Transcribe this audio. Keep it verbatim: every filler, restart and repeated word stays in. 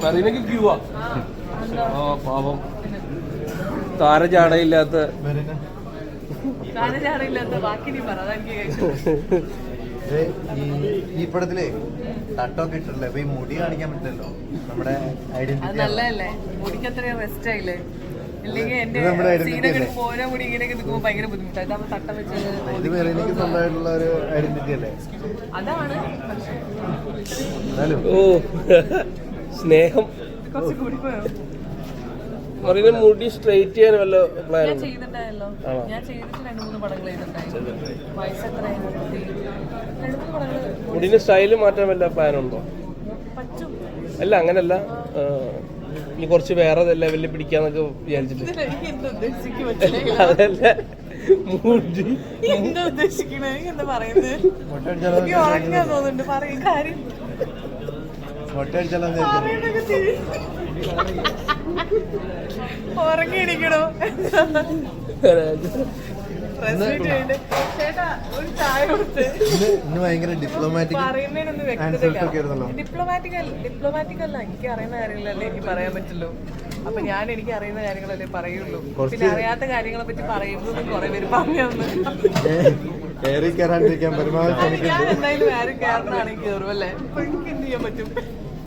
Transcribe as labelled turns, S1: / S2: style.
S1: മറീനക്ക് ക്യൂവാ. ആ പാവം താരജാടയില്ലാത്ത
S2: ഈ പടത്തില് തട്ടൊക്കെ ഇട്ടില്ലേ, അപ്പൊ ഈ മുടി കാണിക്കാൻ പറ്റില്ലല്ലോ നമ്മുടെ ഐഡന്റിറ്റി.
S3: നല്ലതല്ലേ, മുടിക്ക് അത്രയും റെസ്റ്റ് ആയില്ലേ? ഇല്ലെങ്കിൽ എന്റെ സീനൊക്കെ ഓരോ മുടി ഇങ്ങനെയൊക്കെ നിൽക്കുമ്പോൾ ഭയങ്കര ബുദ്ധിമുട്ടാണ്. ഇതാകുമ്പോൾ തട്ടം വെച്ച്
S2: എനിക്ക് സ്വന്തമായിട്ടുള്ള ഒരു ഐഡന്റിറ്റി അല്ലേ
S3: അതാണ്.
S1: ഓ സ്നേഹം.
S3: കുറച്ച് കൂടി പോയോ?
S1: മറീന മുടി സ്ട്രെയിറ്റ് ചെയ്യാൻ വല്ല പ്ലാൻ
S3: ഞാൻ ചെയ്തിട്ടുണ്ടായല്ലോ. ഞാൻ ചെയ്തിട്ട് രണ്ട് മൂന്ന് പടങ്ങൾ ചെയ്തിട്ടുണ്ടായിരുന്നു. വയസ്സ് എത്രയാണ്? രണ്ട് മൂന്ന് പടങ്ങൾ.
S1: മുടിന്റെ സ്റ്റൈല് മാറ്റാൻ വല്ല പ്ലാൻ ഉണ്ടോ?
S3: പറ്റും.
S1: അല്ല അങ്ങനല്ല, ഇനി കുറച്ച് വേറെ ലെവലിൽ പിടിക്കാന്നൊക്കെ വിചാരിച്ചിട്ട്. അതല്ല മുടി
S3: എന്താ ഉദ്ദേശിക്കണേ? എന്താ പറയുന്നത്? ഉറങ്ങാൻ തോന്നുന്നുണ്ട്. പറയും കാര്യം ഉറങ്ങിയിരിക്കണോ? ചേട്ടാ ഒരു ചായ കൊടുത്ത്.
S2: ഭയങ്കര ഡിപ്ലോമാറ്റിക്
S3: പറയുന്നതിനൊന്നും വ്യക്തതയില്ല. ഡിപ്ലോമാറ്റിക് ഡിപ്ലോമാറ്റിക് അല്ല, എനിക്ക് അറിയുന്ന കാര്യങ്ങളല്ലേ എനിക്ക് പറയാൻ പറ്റുള്ളൂ. അപ്പൊ ഞാൻ എനിക്ക് അറിയുന്ന കാര്യങ്ങളല്ലേ പറയുള്ളൂ. പിന്നെ അറിയാത്ത കാര്യങ്ങളെ പറ്റി പറയുന്നത് കുറെ പേര് പറഞ്ഞു തന്നു.
S2: ഞാൻ എന്തായാലും ആരും കയറണമെന്നാണെങ്കിൽ കയറും അല്ലേ. അപ്പൊ എനിക്ക് എന്ത് ചെയ്യാൻ പറ്റും?